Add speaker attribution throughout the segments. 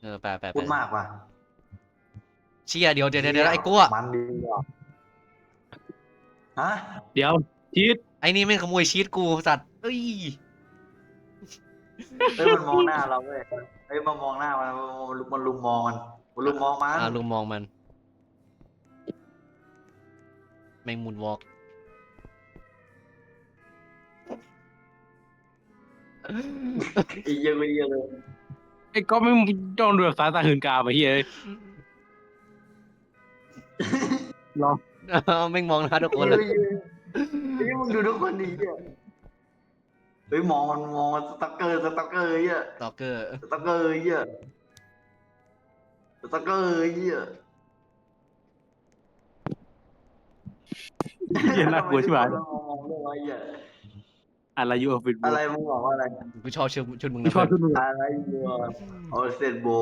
Speaker 1: ไป
Speaker 2: พูดมากว่ะ
Speaker 1: เชี่ยเดี๋ยวไอ้กลัว
Speaker 2: มันดีว่ะฮะ
Speaker 3: เดี๋ยวชีต
Speaker 1: ไอ้นี่แม่งขโมยชีตกูสัตว์เอ้ย
Speaker 2: มันมองหน้าเราเว้ยมันมองหน้ามันลุมมองมันลุมมองมัน
Speaker 1: ลุงมองมันแม่งมูนวอล์ก
Speaker 2: อีเยอะไปเยอะเลย
Speaker 3: ไอ้ก็ไม่จ้องดูแบบสายตาหื่นกามไอ้เฮ้ยลอง
Speaker 1: แม่งมองหน้าทุกคนเลย
Speaker 2: มึงดูทุกคนดีอ่ะมองมันสตั๊กเกอร์อ่ะ
Speaker 1: สตอกเกอร์
Speaker 2: สตั๊กเกอร์อ่ะสตั๊กเกอร์อ่ะ
Speaker 3: เหี้ยน่ากลัวใช่ไหม
Speaker 2: มองเรื่องอะไรอ่ะ
Speaker 3: อะไรอยู่ออฟฟิศ
Speaker 2: อะไรมึงบอกว่าอะไร
Speaker 1: กูชอบชุดมึง
Speaker 3: กู
Speaker 1: นะ
Speaker 3: ชอบ
Speaker 1: เพื่อน
Speaker 3: ชุดมึง
Speaker 2: อะไรอยู่เอาเซนโบ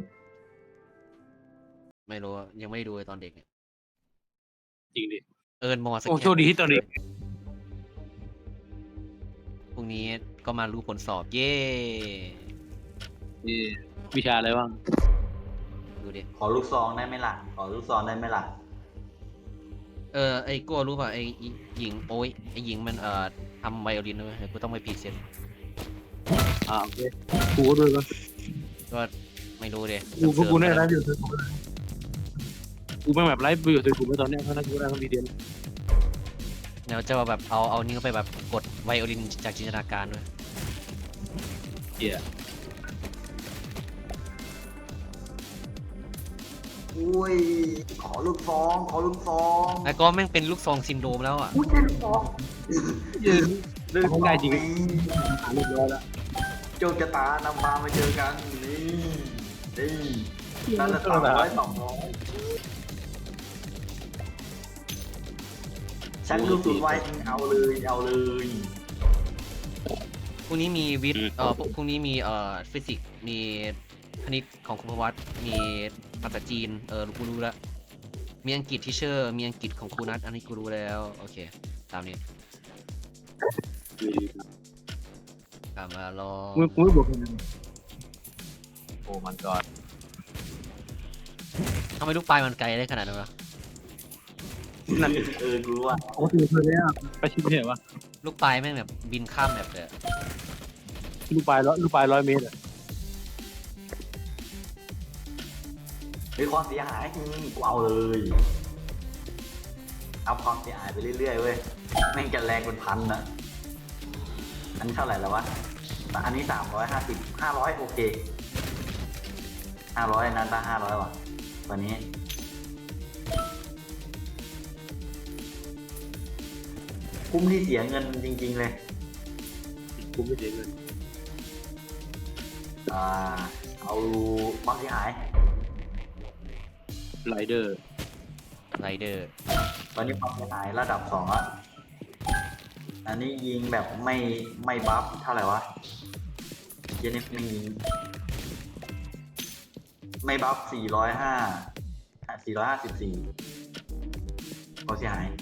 Speaker 1: ไม่รู้อะยังไม่ได้ดูเลยตอนเด็กเนี่ย
Speaker 3: จริงดิ
Speaker 1: เอิญมอส
Speaker 3: โอ้
Speaker 1: แก
Speaker 3: โชคดีที่ตอนนี้
Speaker 1: พรุ่งนี้ก็มารู้ผลสอบเย้
Speaker 3: วิชาอะไรบ้าง
Speaker 1: ดูดิ
Speaker 2: ขอลูกซองได้ไหมล่ะขอลูกซองได้ไหมล่ะ
Speaker 1: ไอ้กัวรู้ป่ะไอ้หญิงโอ้ยไอ้หญิงมันทำไวโอลินด้วยกูต้องไปพรีเซนต์
Speaker 3: โอเคกูก็ด้วยปะ
Speaker 1: ก็ไม่รู้ดิ
Speaker 3: กูได้ไลฟ์อยู่กูไม่แบบไลฟ์อยู่กูไม่ตอนนี้เพราะนั้นกูได้ทั้งวีดีโอ
Speaker 1: เดี๋ยวจะแบบเอานิ้วไปแบบกดไวโอลินจากจินตนาการด้วย
Speaker 3: เหี้ย
Speaker 2: อุ้ยขอลูกซอง
Speaker 1: ไอ้ก็แม่งเป็นลูกซองซินโดรมแล้วอ่ะ
Speaker 2: อุ้ยแค่ลูกซอง
Speaker 3: เรื่องได้จริงหาเรียบร้อยแล้ว
Speaker 2: โจกตานำพามาเจอกันนี่นั่นละ200ชักลูกสุดไว้เอาเลย
Speaker 1: พรุ่งนี้มีวิทย์พรุ่งนี้มีฟิสิกส์มีคณิตของคุณพวัตมีภาษาจีนกูรู้แล้วมีอังกฤษที่เชอร์มีอังกฤษของครูนัทอันนี้กูรู้แล้วโอเคตามนี้กลับมาลอง
Speaker 3: มึงไม่บอกกันโอ้มันก่อน
Speaker 1: ทำไมลูกปลายมันไกลได้ขนาดนั้นวะ
Speaker 3: นั่น
Speaker 2: กูรู้ว่า
Speaker 3: โอ้ตื่นเลยอ่ะไปชิมเหรอวะ
Speaker 1: ลูกปลายแม่งแบบบินข้ามแบบเลยอะ
Speaker 3: ลูกปลาย100 เมตรอ่ะ
Speaker 2: ความเสียหายกูเอาเลยเอาความเสียหายไปเรื่อยๆเว้ยแม่งจะแรงเป็นพันนะอันนี้เท่าไหร่แล้ววะอันนี้500โอเค500นั้นป่ะ500ว่ะตอนนี้คุ้มที่เสียเงินจริงๆเลย
Speaker 3: กูไม่เสียเงิน
Speaker 2: เอาความเสียหาย
Speaker 3: ไรเดอร์
Speaker 1: ไรเดอร์
Speaker 2: ตอนนี้ความเสียหายระดับ2ละอันนี้ยิงแบบไม่บัฟเท่าไหร่วะเจนี่ไม่ยิงไม่บัฟ454ความเสียหาย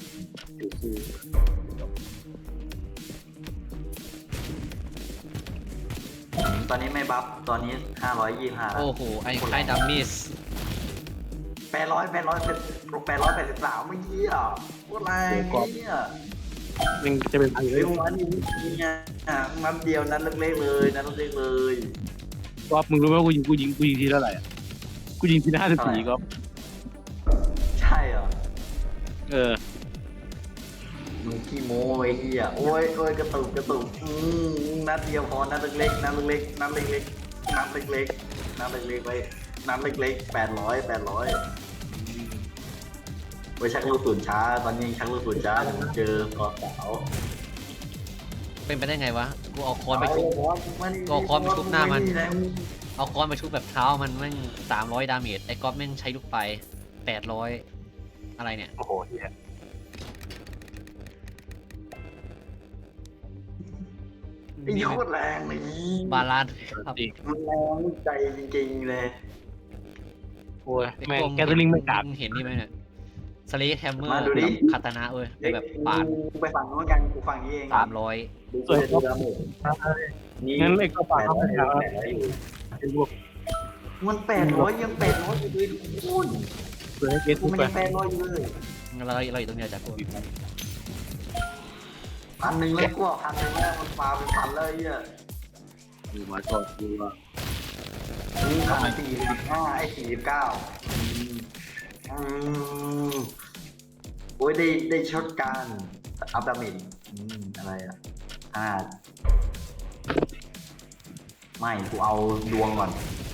Speaker 2: ตอนนี้ไม่บัฟตอนนี้525แล้ว
Speaker 1: โอ้โหไอ้ดัมมิส
Speaker 2: 883ไม่เหี้ยโคตรแรงเนี่ย
Speaker 3: มันจะเป็นพันเล
Speaker 2: เฮ้
Speaker 3: ย
Speaker 2: ยวันนี้ไงนัดเดียวนัดเล็กๆเลยนัดเล็กๆเลย
Speaker 3: ก็มึงรู้ไหมว่ากูยิงทีเท่าไหร่อ่ะกูยิงที54ก็
Speaker 2: ใช่เหรอ
Speaker 3: เออ
Speaker 2: มึงขี้โม้ไอ้เหี้ยโอ้ยกระตุกนัดเดียวพอนัดเล็กๆไปนัดเล็กๆ800ไว้ชักลูกศูนย์ช้าตอนนี้ชักลูกศูนย์ช้าเจอก่อสาว
Speaker 1: เป็นไปได้ไงวะกูเอาคอนไปชุบเอาคอนไปชุบแบบเท้ามันแม่ง300 ดาเมจไอ้ก๊อฟแม่งใช้ลูกไป800อะไรเนี่ย
Speaker 3: โอ้โหเฮีย
Speaker 2: ไอ้โคตรแรงเลย
Speaker 1: บาลานซ์ครับ
Speaker 3: จริง
Speaker 2: มันแรงใจจริงๆเลย
Speaker 3: โอ้ยแม่งแกตลิงไม่กลับ
Speaker 1: เห็นนี่ไหมเนี่ยสเลทแฮมเมอร์
Speaker 2: มาดูดิ
Speaker 1: คาตานะเว้ยไปแบบปาด
Speaker 2: กูไปฝั่งโน้นกันกูฝั่งนี้เอง
Speaker 1: 300
Speaker 2: ดูดาเมจนี่
Speaker 3: งั้นไอ้ก็ฝากเขา
Speaker 2: 800
Speaker 3: ไปหา
Speaker 2: อยู่
Speaker 3: เป็นพวก
Speaker 2: มัน800ยัง800อยู่เลยคุณ
Speaker 3: เปิดให้เกต
Speaker 2: กู
Speaker 3: ทุก
Speaker 2: มัน
Speaker 3: ไป
Speaker 2: ยัง800อยู่เลย
Speaker 1: เราอยู่ตรงเนี้ยจากกู
Speaker 2: 1,000แล้วกู1,000แล้วมันปาเป็นพันเลยอ่ะ
Speaker 3: ดูมาก่อนดูว่า
Speaker 2: นี่45ไอ้49โอ้ยได้ช็อตการอัพดาเมจอะไรอ่ะไม่กูเอาดวงก่อน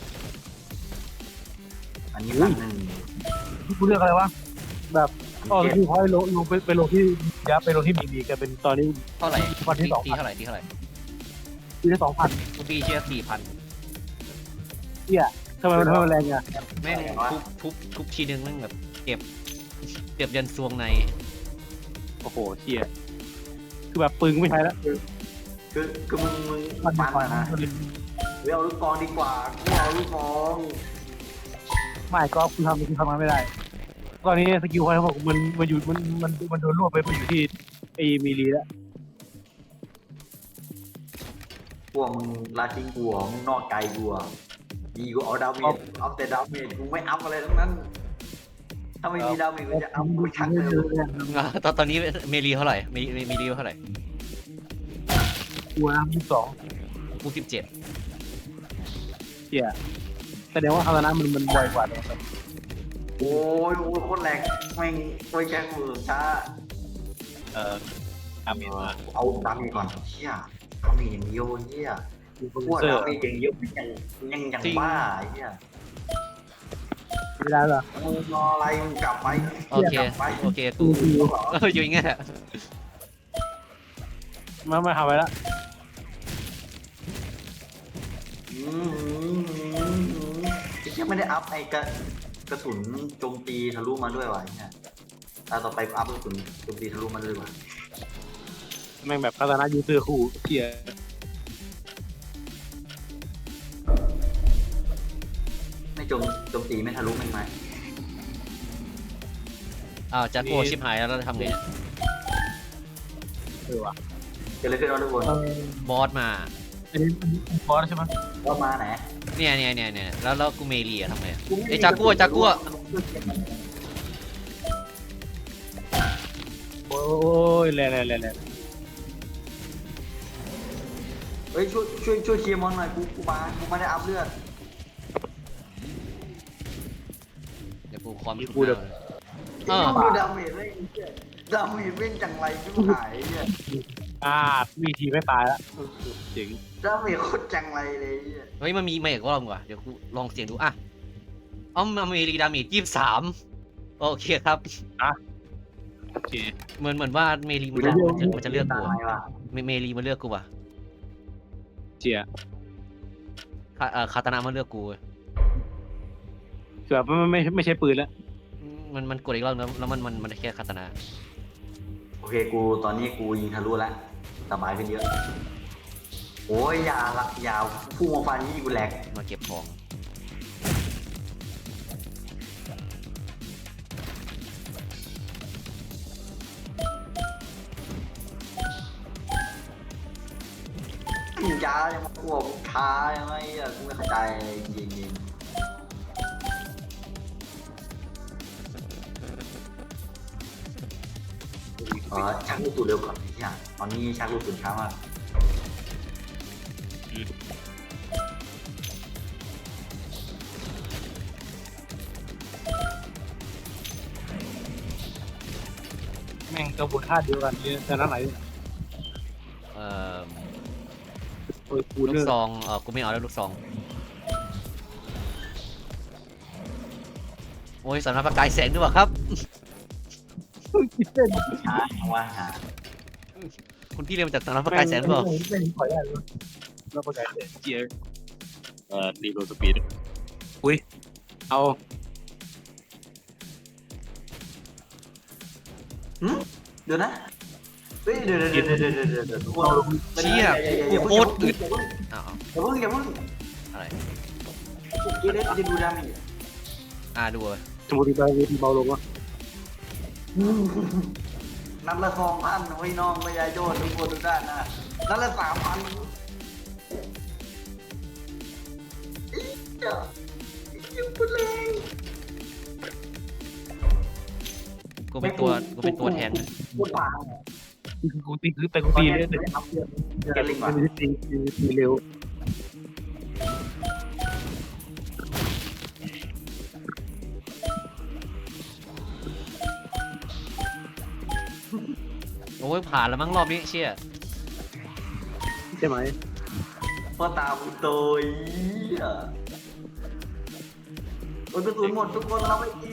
Speaker 2: อันนี้1,000
Speaker 3: กูเลือกอะไรวะแบบคือพอยลงไปลงที่ยับไปลงที่มีกันเป็นตอนนี้
Speaker 1: เท่าไหร่
Speaker 3: วันที่
Speaker 1: ตีเท่าไหร่
Speaker 3: ปีที่2,000
Speaker 1: กูตีเชียร์4,000
Speaker 3: เนี่ยทำไมมันแรงอ่ะ
Speaker 1: แม่งทุบทีนึงแม่งแบบเก็บยันซวงใน
Speaker 3: โอ้โหเชี่ยคือแบบปืนไม่ใช้แล้ว
Speaker 2: คือมึง
Speaker 3: มัน
Speaker 2: ปัน
Speaker 3: ก่อน
Speaker 2: นะเอาลูกกองดีกว่ากูเอาลูกกอง
Speaker 3: ไม่ก็คือทำมันไม่ได้ตอนนี้สกิลพอยเขาบอกมันอยู่มันโดนรวบไปอยู่ที่ไอ้มีลีแล้ว
Speaker 2: พวกมึงลาทิ้งกูเหรอมึงนอกใจกูเหรอดีกูเอาดาเมจเอาแต่ดาเมจกูไม่อัพอะไรทั้งนั้น ถ้าไม่มีดาเมจกูจะอัพกูชักเลย
Speaker 1: ตอนนี้เมลีเท่าไหร่เมลีเท่าไหร่
Speaker 3: กูนะ22
Speaker 1: กู17
Speaker 3: เชี่ยแสดงว่าคารานะมันไวกว่าเลย
Speaker 2: โอ้ยโคตรแรงแม่งโอ้ยแค่มือช้า
Speaker 3: อามีมา
Speaker 2: เอาดาเมจก่อนเชี่ยดาเมจอย่างเดียวเชี่ยพวกดาเมจอย่างเดียวยังบ้าไอ้เชี่ย
Speaker 3: ไม่ได้หรอ
Speaker 2: มึงรออะไรมึงกลับไป
Speaker 1: โอเคกูอยู่อย่างเงี้ย
Speaker 3: มาหาไว้แล้ว
Speaker 2: ไอ้เชี่ยไม่ได้อัพไอ้กระสุนโจมตีทะลุมาด้วยวะเนี่ยตาต่อไปอัพกระสุนโจมตีทะลุมาด้วยวะ
Speaker 3: แม่งแบบคารานะยูเซอร์คู่เชี่ย
Speaker 2: ไม่โจมตีไม่ทะลุแม่งไหม
Speaker 1: อ้าวจากกูชิบหายแล้วทำไงเนี่ย
Speaker 3: ว่ะ
Speaker 2: เกิดอะไรขึ้นวะทุกคน
Speaker 1: บอสมา
Speaker 3: อันนี้บอสใช่ไหม
Speaker 2: ว่ามาไหน
Speaker 1: เนี่ยแล้วกูเมลีทำไงไอ้จากกู
Speaker 3: โอ้ยแรง
Speaker 2: เฮ้ยช่วยเคลียร์มอนหน่อยกูไม่ได้อัพเลือด
Speaker 1: เดี๋ยวกูคอม
Speaker 3: กูเดี๋ยว
Speaker 2: ดูดาเมจไม่ดาเมจเว้นจังไรที่หายเนี่ย
Speaker 3: มีทีไม่ตายแล้วเจ๋ง
Speaker 2: ดาเมจโคตรจังไรเลยเนี่ย
Speaker 1: เฮ้ยมันมีมาอีกรอบกว่าเดี๋ยวกูลองเสียงดูอ่ะเมลีดาเมจ23โอเคครับ
Speaker 3: โอเค
Speaker 1: เหมือนว่าเมลีมันจะเลือกกู
Speaker 2: ตายว่ะ
Speaker 1: เมลีมันเลือกกูว่ะ
Speaker 3: เจีย
Speaker 1: คาตานามันเลือกกู
Speaker 3: แบบมันไม่ใช่ปืนแล้ว
Speaker 1: มันกดอีกรอบแล้วมันแค่คาตานา
Speaker 2: โอเคกูตอนนี้กูยิงทะลุแล้วสบายขึ้นเยอะโอ้ยอย่าพุ่งมาฟันนี่กูแหลก
Speaker 1: มาเก็บของ
Speaker 2: จ้ายังมาควบค้ายังไงอ่ะกูไม่เข้าใจจริงชักลูกตูดเร็วก่อนเนี่ยตอนนี้ชักลูกตูดช้ามาก
Speaker 3: แม่งกระบวนท่าเดียวกันเนี่ยแต่นั้นไหน กู
Speaker 1: ลู
Speaker 3: เลื
Speaker 1: ก
Speaker 3: อก
Speaker 1: ซองกูไม่เอาแล้วลูกซองโอ้ยสำนักประกายแสงด้วยวะครับ
Speaker 2: ช้าว่าหา
Speaker 1: คุณพี่เรียนมาจากสำนักประกายแสงหรือเปล่า
Speaker 3: ไม่ขอได้เลยเราประกาศเจียรีโหลดสปีดอุ้ยเอา
Speaker 2: เดี๋ยวนะเฮ้ยเดี๋ยวทุกคน
Speaker 1: เชี่ยกูโคตรอึดอ้าว
Speaker 2: อย่าเพิ่ง
Speaker 1: อะไร
Speaker 2: เดี๋ยวจะดูดาเมจ
Speaker 1: ดูเลย
Speaker 3: สมมติไปเวทีเบาลงวะ
Speaker 2: นัดละ2,000ไว้น้องไม่ยายโจทย์ทุกคนทุกด้านนะนัดละ3,000 ยังพูดเลย
Speaker 1: กูเป็นตัวแทนนะ
Speaker 2: พูดปาก
Speaker 3: กูตีคือแต่กูตีเลยแต่
Speaker 2: เกลิงก่อน
Speaker 3: ตีเร็ว
Speaker 1: โอ้ยผ่านแล้วมั้งรอบนี้เชี่ย
Speaker 3: ใช่ไหม
Speaker 2: พ่อตาบุโตยโอ้ยกระสุนหมดทุกคนเราไม่ดี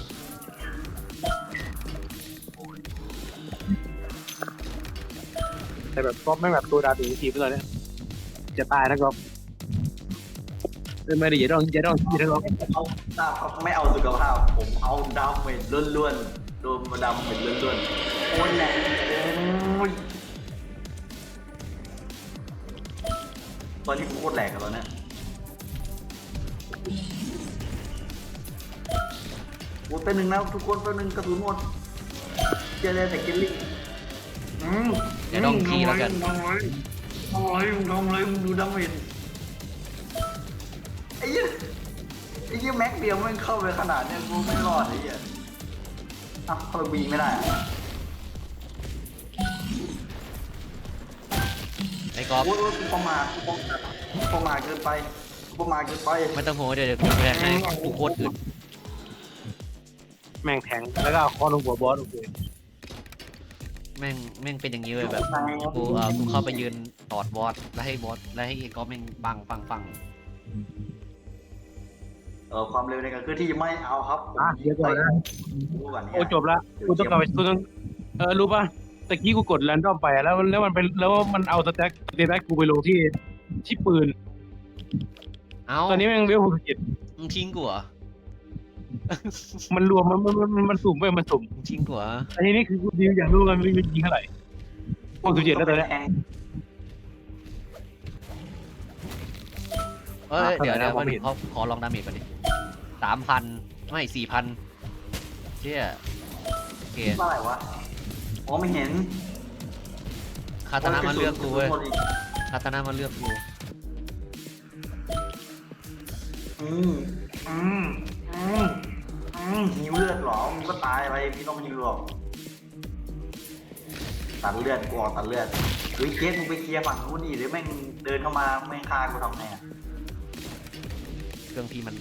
Speaker 3: แต่แบบก็ไม่แบบตัวดาถึงทีมเลยเนี่ยจะตายนะก็ไม่ได้อย่าต้องคิดนะก็
Speaker 2: เอาตาไม่เอาสุขภาพผมเอาดาเมจล้วนๆโดนมาดาเมจล้วนๆโอ้ยแหลกโอ้ยตอนนี้กูโคตรแหลกกันแล้วเนี่ยโอ้ยเป็นหนึ่งแล้วทุกคนเป็นหนึ่งกระสุนหมดเจอแต่เกลลี่
Speaker 1: เดี๋ยวลองทีแล้วกัน
Speaker 2: ทำไรมึงดูดาเมจไอ้เหี้ยแม็กเดียวมันเข้าไปขนาดเนี้ยกูไม่รอดไอ้เหี้ยอ่ะเข้าไปบีไม่ได้อะ
Speaker 1: ไอ้กอล์ฟ
Speaker 2: โอ้ยกูประมาทเกินไป
Speaker 1: ไม่ต้องโหเดี๋ยวแทนให้กูโคตรอื่น
Speaker 3: แม่งแทงแล้วก็เอาคอลงหัวบอสโอเค
Speaker 1: แม่งเป็นอย่างนี้เลยแบบกูเข้าไปยืนตอดบอสแล้วให้ไอ้กอล์ฟแม่งปัง
Speaker 2: ความเร็วในการเคลื่อนที่ไม่เอาครับผม
Speaker 3: เดี๋ยวก่อนนะ
Speaker 2: รู้ก่อนเนี่ย
Speaker 3: โอ้จบละกูต้องกลับไปกูต้องรู้ป่ะตะกี้กูกดแรนดอมไปแล้วมันเป็นแล้วมันเอาสแต็กกูไปลงที่ปืน
Speaker 1: เอ้า
Speaker 3: ตอนนี้แม่งเวล67
Speaker 1: มึงทิ้งกูเหรอ
Speaker 3: มันรวมมันสุ่มไปมันสุ่ม
Speaker 1: มึงทิ้งกูเหรอ
Speaker 3: อันนี้คือกูอยากรู้กันมันยิงเท่าไหร่67แล้วตอนนี้
Speaker 1: เอ้ยเดี๋ยว
Speaker 3: ขนาดนั้น
Speaker 1: มา
Speaker 3: ผม
Speaker 1: ดู
Speaker 3: เห็น
Speaker 1: เขาขอลองดาเมจก่อนดิ3,000ไม่4,000เชี่ยโอเค
Speaker 2: เท่าไหร่วะอ๋อไม่เห็น
Speaker 1: คาตานะมาเลือกกูเว้ยคาตานะมาเลือกกู
Speaker 2: หิวเลือดหรอมึงก็ตายไปพี่ต้องหิวหรอกตัดเลือดกูออกตัดเลือดเฮ้ยเกสมึงไปเคลียร์ฝั่งนู้นดิหรือแม่งเดินเข้ามาแม่งฆ่ากูทำไงอะ
Speaker 1: เครื่องพี่มัน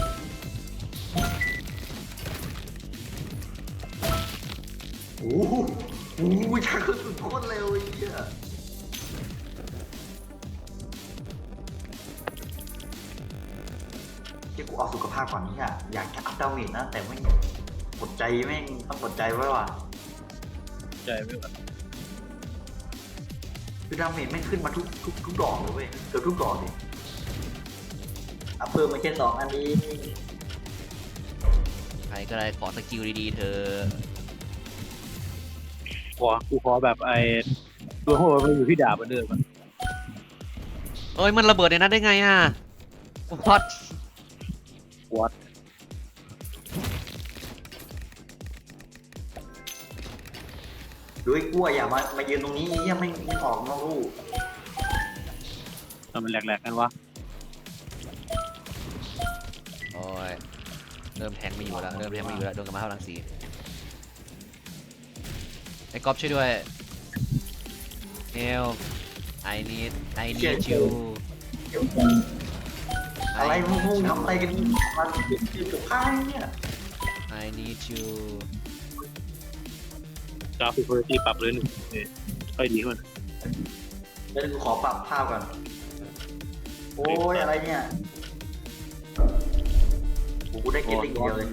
Speaker 2: โอ้โหโอ้โหชักกระสุนโคตรเร็วไอ้เหี้ยเดี๋ยวกูเอาสุขภาพก่อนเนี่ยอยากจะอัพดาเมจนะแต่ไม่กดใจแม่งต้องกดใจไว้ว่ะ
Speaker 3: ใจไม่ไหว
Speaker 2: คือดาเมจไม่ขึ้นมาทุกดอกเลยเว้ยเกือบทุกดอกเลยอัพเพิ่มมาแค่2 อันนี้
Speaker 1: ใครก็ได้ขอสกิลดีๆเธอ
Speaker 3: กูขอแบบตัวโหดมันอยู่ที่ดาบเหมือนเดิม
Speaker 1: เอ้ยมันระเบิดในนั้นได้ไงอ่ะพอด
Speaker 2: ดูไอ้กลัวอย่ามายืนตรงนี้ไอ้เหี้ยไม่ออกนอกลู่
Speaker 3: มันแหลกๆกันวะ
Speaker 1: โอ้ยเริ่มแทงไม่อยู่แล้วโดนกับมาเท่ารังสีไอ้ก๊อฟช่วยด้วยเฮล I need you
Speaker 2: อะไรมึงทำอะไรกันมายืนกับผ้าเนี่ย
Speaker 1: I need you
Speaker 3: กราฟิกคุณภาพปรับเลยหนึ่งค่อยดีขึ้น
Speaker 2: เดี๋ยวกูขอปรับภาพก่อนโอ้ยอะไรเนี่ยกูได้เกตติ้งเดียวเลย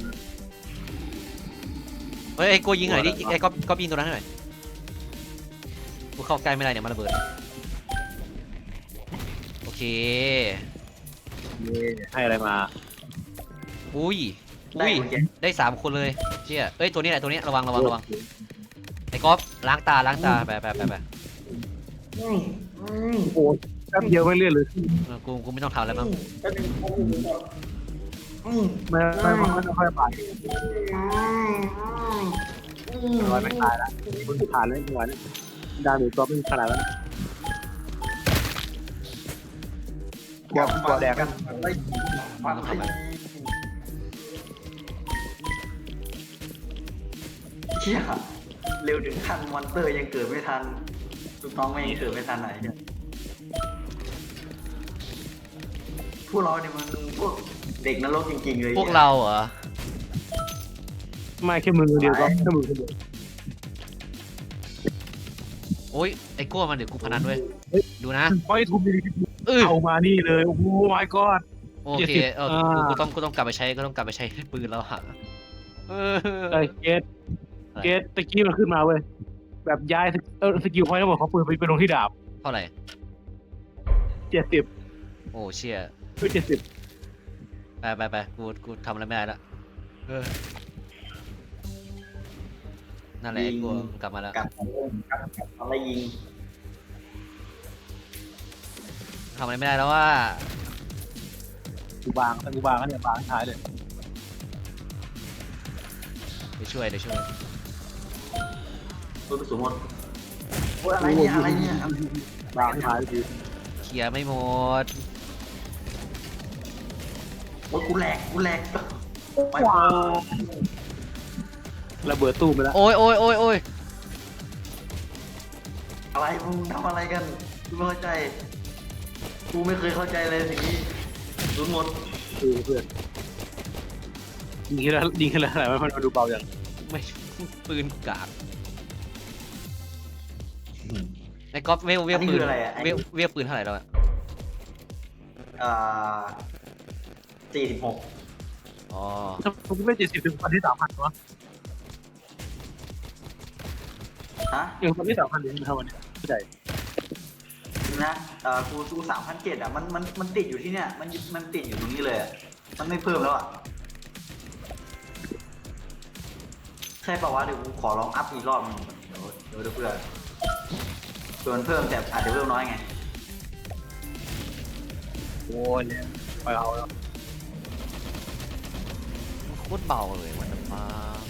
Speaker 1: เฮ้ยไอ้โกยิงหน่อยดิไอ้ก๊อฟยิงตัวนั้นให้หน่อยกูเข้าใกล้ไม่ได้เนี่ยมันระเบิดโอเค
Speaker 3: ให้อะไรมา
Speaker 1: อุ้ย
Speaker 2: ได้เหมือนกัน
Speaker 1: ได้3 คนเลยเชี่ยเอ้ยตัวนี้แหละตัวนี้ระวังไอ้ก๊อฟล้างตาไป
Speaker 3: โอ้แป๊บเดียวไม่เลื่อนเลย
Speaker 1: กูไม่ต้องทำแล้วมั้ง
Speaker 3: ไม่ค่อยไปร้อยไม่ตายละคุณผ่านแล้วจังหวะนี้ดาเมจตัวไม่ขนาดนั้นกลัวแดงกัน
Speaker 2: อะไรชี่ยเร็วถึงขั้นมอนเตอร์ยังเกิดไม่ทันลูกน้องไม่ยังเกิดไม่ทันไหนเนี่ยพวกเราเนี่ยมันพวกเด็กนรกจริงๆเลย
Speaker 1: พวกเราเหรอ
Speaker 3: ไม่แค่มือเดียวก็แค่มือคนเดียว
Speaker 1: โอ้ยไอ้กลัวมันเดี๋ยวกูพนันด้วยดูนะ
Speaker 3: เพราะไอ้ทุบดี
Speaker 1: เออ
Speaker 3: เอามานี่เลยโอ้โห my god
Speaker 1: โอเคกูต้องกลับไปใช้ปืนแล้วอะเออ
Speaker 3: ไอ้เกตตะกี้มันขึ้นมาเว้ยแบบย้ายสกิลพอยต์ทั้งหมดของปืนไปลงที่ดาบ
Speaker 1: เท่าไหร่
Speaker 3: 70
Speaker 1: โอ้เชี่ย
Speaker 3: คือ70
Speaker 1: ไปกูทำอะไรไม่ได้ละเออนั่นแหละไอ้กลัวมันกลับมาแล้ว
Speaker 2: กลับอะไรยิง
Speaker 1: ทำอะไรไม่ได้แล้วว่า
Speaker 3: กูบางแต่กูบางก็เนี่ยบางท้ายเลย
Speaker 1: เดี๋ยวช่วย
Speaker 2: ตัวกระสุนหมดโอ้ยอะไรเนี่ยอะไรเนี่ย
Speaker 3: บางท้ายเลย
Speaker 1: เคลียร์ไม่หมด
Speaker 2: โอ้ยกูแหลกไป
Speaker 3: ว้าวระเบิดตู้ไปแล้ว
Speaker 1: โอ้ย
Speaker 2: อะไรมึงทำอะไรกันกูไม่เข้าใจกูไม่เคยเข้าใจเลยสิ่งนี้รุนหมด
Speaker 3: เพื่อนยิงขึ้นแล้วอะไรมันดูเบาอย่าง
Speaker 1: ไม่ปืนกากไอ้ก๊อฟเวลปืนเวลปืนเท่าไหร่แล้วอะ
Speaker 2: อ่า46
Speaker 1: อ๋อ
Speaker 3: ถ้าผมไม่70ถึงพันที่3,000วะ
Speaker 2: ฮะ
Speaker 3: ยังพันที่3,000เลยเท่าวันนี้ไม่ได้
Speaker 2: นะกู3,700อ่ะมันติดอยู่ที่เนี่ยมันติดอยู่ตรงนี้เลยอ่ะมันไม่เพิ่มแล้วอ่ะใช่ป่าวะเดี๋ยวกูขอลองอัพอีกรอบนึงเดี๋ยวเพื่อนส่วนเพิ่มแต่อาจจะเพิ่มน้อยไง
Speaker 3: โอ้ยเนี่ยไปเอาแล้ว
Speaker 1: โคตรเบาเลยวันนั้นมา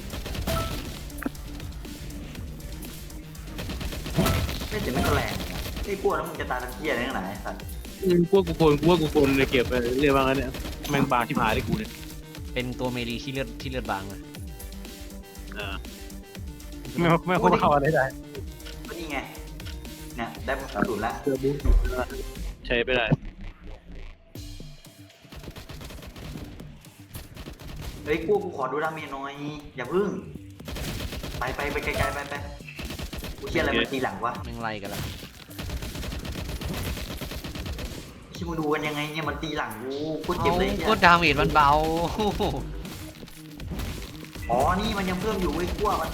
Speaker 2: ไม่แต่ไม่ก็แรงไอ้กลัวแล้วมึงจะตายทันเที่ยอะไรไหนสัตว์
Speaker 3: กลัวกูโกนเลยเก็บไปเรียกว่างั้นเนี่ยแมงบางที่หายได้กูเนี่ย
Speaker 1: เป็นตัวเมลีที่เลือดบางเลย
Speaker 3: ไม่ควรเข้าอะไรได้
Speaker 2: ก็นี่ไงเนี่ยได้กระสุนแล้ว
Speaker 3: เจอบูธใช้ไปได้
Speaker 2: เฮ้ยกูขอดูดาเมจหน่อยอย่าพึ่งไปไกลๆไปกูเชี่ยอะไรมันตีหลังวะ
Speaker 1: แม่งไล่กันแล้ว
Speaker 2: ชิมึงดูกันยังไงเนี่ยมันตีหลังกูเจ็บเลยเนี่ย
Speaker 1: ก็ดาเมจมันเบา
Speaker 2: อ๋อนี่มันยังเพิ่มอยู่เว้ยกูว่ามัน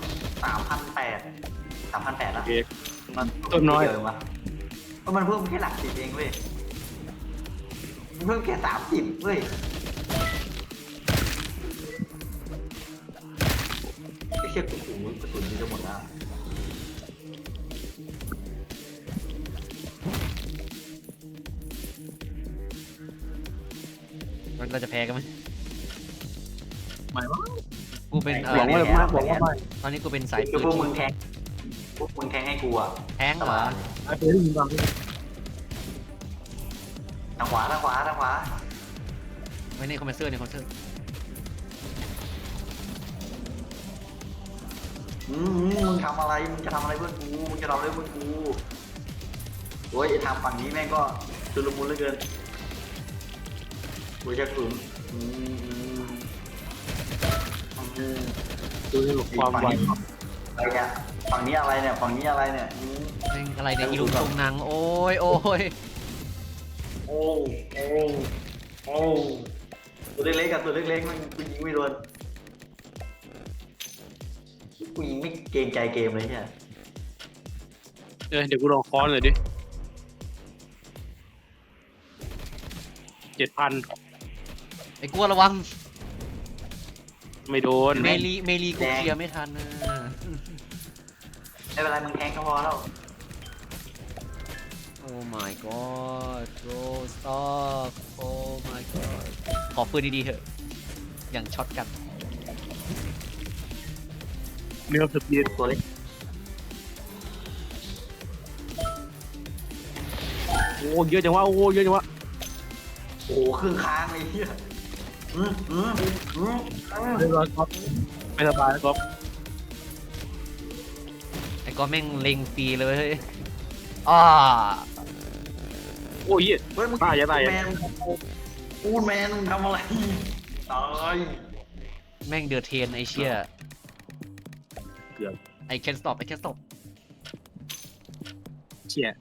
Speaker 2: 3,800แล้ว
Speaker 3: โอเคมันต้นน้อย
Speaker 2: เวะเพราะมันเพิ่มแค่หลัก10เองเว้ยมันเพิ่มแค่30เว้ยไอ้เชี่ยกระสุนนี่จะหมดแล้ว
Speaker 1: เราจะแพ้กันไหม
Speaker 3: ไม่ว่า
Speaker 1: กูเป็น
Speaker 3: หวังว่าไม่
Speaker 1: ตอนนี้กูเป็นสายปื
Speaker 2: คือน พวกมึงแทงให้กูอะ
Speaker 1: แท้งเหรอ
Speaker 3: ไอ้เพื่อนยิงบาง
Speaker 2: ทางขวา
Speaker 1: ไม่ในคอมเพรสเซอร์
Speaker 2: มึงทำอะไรมึงจะทำอะไรเพื่อนกูมึงจะทำอะไรเพื่อนกูโอ้ยทางฝั่งนี้แม่งก็ชุลมุนเหลือเกินกูจะกลุ่ม
Speaker 3: ดูให้หลบความไว
Speaker 2: อะไรเนี่ยฝั่งนี้อะไรเนี่ยแม่ง
Speaker 1: อะไรเนี่ยอีลุงตรงนังโอ้ย
Speaker 2: โอ้ตัวเล็กๆกับตัวเล็กๆมันกูยิงไม่โดนกูยิงไม่เกรงใจเกมเลยเนี่ย
Speaker 3: เดี๋ยวกูลองค้อนเลยดิ 7,000
Speaker 1: ไอ้กลัวระวัง
Speaker 3: ไม่โดน
Speaker 1: เมลีกูเคลียร์ไม่ทันนะ
Speaker 2: ไม่เป็นไรมึงแทงก็พอแล้ว
Speaker 1: โอ้ my god bro stop โอ้ my god ขอปืนดีๆเถอะ อย่างช็อตกัน
Speaker 3: เนื้อสปีด
Speaker 2: ตัวเล็ก
Speaker 3: โอ้เยอะจังวะโอ้เยอะจังวะ
Speaker 2: โอ้ครึ่งค้างเลยเฮีย
Speaker 3: เรียบร้อยครับไม่สบายนะครับ
Speaker 1: ก็แม่งเล็งฟรีเลยเว้ยอ้า
Speaker 3: โอ้ย
Speaker 2: เฮ้ยมึง
Speaker 3: ตายอย่าตาย
Speaker 2: แมนพูดแมนมึงทำอะไรตาย
Speaker 1: แม่งเดือดเทนไอเชี่ย
Speaker 3: เกือบ
Speaker 1: ไอแคนสต็อปไอแคนสต็อป
Speaker 3: เชี่ย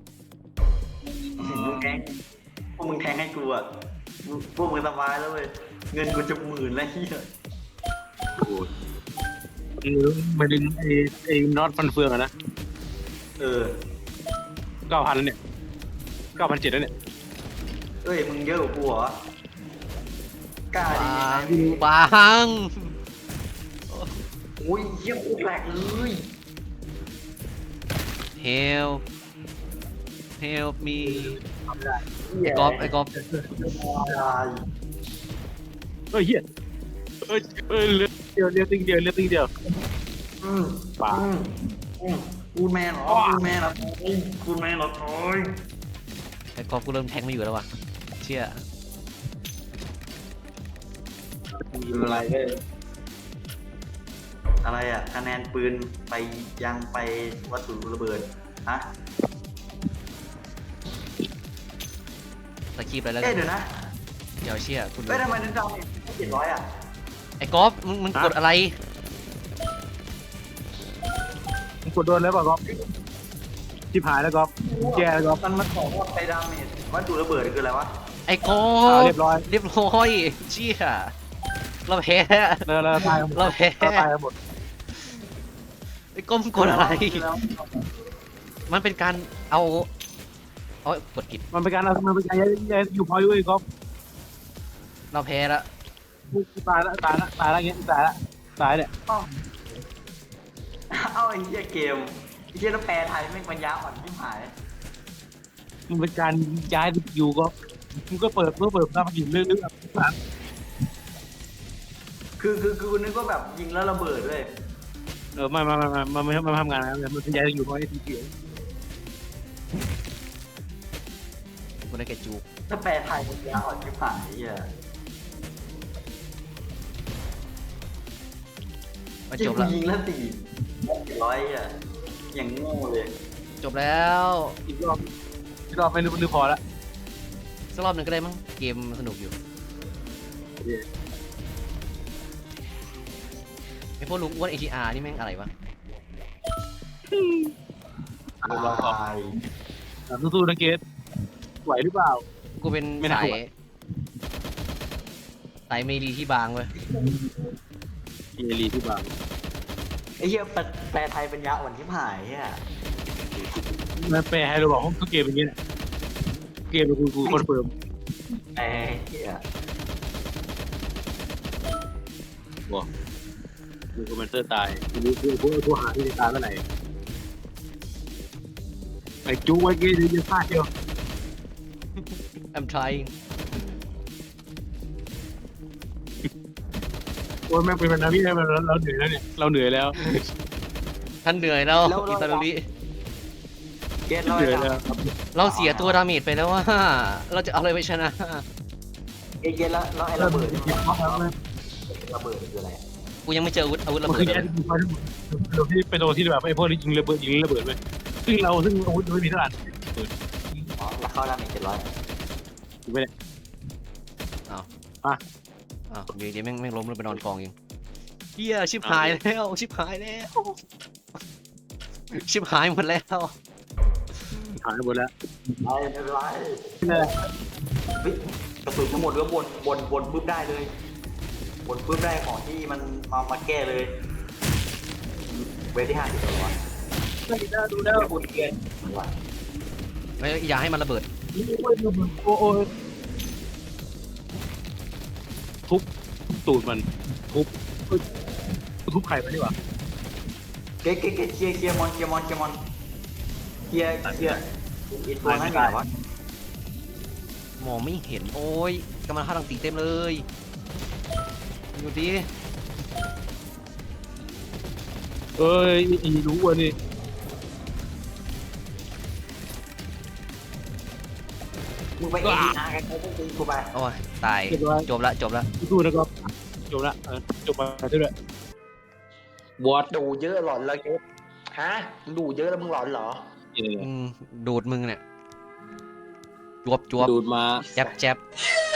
Speaker 2: มึงแทงพวกมึงแทงให้กูอ่ะพวกมึงสบายแล้วเว้ยเงินกูจะ10,000แล้วเฮีย
Speaker 3: โอ้ยมันเป็นไอ้น็อตฟันเฟืองอะนะ
Speaker 2: เออ
Speaker 3: 9,000แล้วเนี่ย9,700แล้วเนี่ย
Speaker 2: เอ้ยมึงเยอะกว่ากูเหรอกล้าดียังไงมึง
Speaker 1: บาง
Speaker 2: โอ้ยเยี่ยมโคตรแหลกเลย
Speaker 1: เฮลเฮลมีไอกอฟไอกอฟ
Speaker 2: ตาย
Speaker 3: เฮ้ยเฮียเอ้ยเลือดติ้งเดียว
Speaker 2: อืม
Speaker 3: ป่า
Speaker 2: กูดแมนเหรอกูดแมนเหรอกูดแมนเหรอโอ้ย
Speaker 1: ไอกอฟกูเริ่มแทงไม่อยู่แล้วว่ะเชี่ย
Speaker 2: อะไรอะไรอ่ะคะแนนปืนไปยังไปวัตถุระเบิดฮะ
Speaker 1: สกีบอะไรแล้วกั
Speaker 2: เอ๊ะ
Speaker 1: น
Speaker 2: เดี๋ยวนะ
Speaker 1: เดี๋ยวเชี่ยคุณ
Speaker 2: เอ้ยทำไมนึกดาว700อ่ะ
Speaker 1: ไอกอฟมึงกดอะไร
Speaker 3: มึงกดโดนแล้วป่ะก๊อฟชิบหายแล้วก๊อฟแย่แล้วก๊อฟ
Speaker 2: มันบอกว่าไปดาเมจวัตถุระเบิดคืออะไรวะ
Speaker 1: ไอกอฟ
Speaker 3: เรียบร้อย
Speaker 1: เรียบร้อยเชี่ยเราแพ้
Speaker 3: เราตายกันหมด
Speaker 1: เราแพ้
Speaker 3: เราตายกันหมด
Speaker 1: ไอ้ก้มกดอะไร มันเป็นการเอากดผิด
Speaker 3: มันเป็นการย้ายอยู่พอยด้วยก๊อฟ
Speaker 1: เราแพ้ละ
Speaker 3: กูตายแล้วเงี้ยตายเนี่ย
Speaker 2: เอาไอ้เหี้ยเกมไอ้เหี้ยแล้วแปลไทยแม่งปัญญาอ่อนที่หาย
Speaker 3: มันเป็นการย้ายอยู่ก็มึงก็เปิดหน้ามันอยู่เรื่อยๆ
Speaker 2: คือกูนึกว่าแบบยิงแล้วระเบิดด้วย
Speaker 3: ไม่ทำงานนะมันย้ายอยู่เพราะไอ้ทีเกีย
Speaker 1: กูได้แค่จูก
Speaker 2: ถ้าแปลไทยปัญญาอ่อนที่หายไอ้เหี้ย
Speaker 1: มาจ
Speaker 2: จ
Speaker 1: บบ ละ
Speaker 2: ยิงแล้ว400อ่ะอย่างโง่เลย
Speaker 1: จบแล้ว
Speaker 3: อีกรอบไม่รู้พอละ
Speaker 1: สักรอบหนึ่งก็ได้มั้งเกมสนุกอยู่ไอพวกลุงอ้วน ATR นี่แม่งอะไรวะ
Speaker 2: ตาย
Speaker 3: สู้ๆนะเกตไหวหรือเปล่า
Speaker 1: กูเป็น
Speaker 3: ไม่น่า
Speaker 1: สาย
Speaker 3: ไหว
Speaker 1: สายเมลีที่บางเว้ย
Speaker 3: เอลีที่บาง
Speaker 2: ไอ้เหี้ยแปลไทยปัญญาอ่อนที่หายเหี้ย
Speaker 3: มันแปลให้เราบอกทุกเกมเป็นอย่างนี้แหละเกมเป็นกูคอนเฟิร์ม
Speaker 2: แปลเหี้ย
Speaker 3: บอกดูคอมเมนเตอร์ตายรู้ผู้หาที่จะตายเมื่อไหร่ไอ้จูไว้เกตจะพลาดเดียว
Speaker 1: I'm trying
Speaker 3: โอ้ยแม่งเป็นพันธมิตรเราเหนื่อยแล้วเนี่ยเราเหนื่อยแล้ว
Speaker 1: ท่านเหนื่อยแล้วอิตาลี
Speaker 2: เกต
Speaker 3: เห
Speaker 2: เรา
Speaker 3: นื่อย
Speaker 2: จะ
Speaker 3: แล้ว
Speaker 1: เราเสียตัวดาเมจไปแล้วว่า เราจะเอาอะไรไปชนะ
Speaker 2: เกตแล้วไอ้ระเบิดระเบิดคืออะไร
Speaker 1: กูยังไม่เจออาวุธระ
Speaker 3: มัน
Speaker 1: เบิ
Speaker 3: คื
Speaker 1: ด
Speaker 3: อ
Speaker 1: เล
Speaker 3: แย่
Speaker 1: ย
Speaker 3: ที่ที่ไปโดนที่แบบไอ้พวกนี้ยิงระเบิดไปซึ่งอาวุธไม่มีเท่าไหร่
Speaker 2: อ๋อแล้วเข้าดาเมจ700
Speaker 3: ไม่ได้
Speaker 1: อ้าวเดี๋ยวแม่งล้มลงไปนอนกองเองเฮียชิบหายแล้วชิบหายแล้วชิบหายหมดแล้ว
Speaker 3: หายหมดแล้ว
Speaker 2: ไม่เป็นไรเฮ้ยกระสุนทั้งหมดก็บนปุ๊บได้เลยบนปุ๊บได้ของที่มันมาแก้เลยเวทที่50ตัววะ
Speaker 3: ดูแล้ว
Speaker 2: บนเกียร์ว่ะ
Speaker 1: ไม่อย่าให้มันระเบิด
Speaker 3: โอ้ทุบตูดมันทุบไข่มันดีกว่า
Speaker 2: เก๊เคลียร์มอนเคลียร์อีกตัวนั้นไงวะ
Speaker 1: มองไม่เห็นโอ้ยกำลังฆ่าตังตีเต็มเลยดูดิ
Speaker 3: เอ้ยอีรู้ว่ะนี่
Speaker 2: มึงไปเอ็นดีอาร์กันเขาต้องตีกูไป
Speaker 1: โอ้ยตายจบละ
Speaker 3: สู้นะครับจบละจบมาด้วย
Speaker 2: วอดดูเยอะหลอนแล้วเก๊ฮะมึงดูเยอะแล้วมึงหลอนเหรอ
Speaker 1: ดูดมึงเนี่ยจวบจวบ
Speaker 4: ดูดมา
Speaker 1: แจ๊บแจ๊บ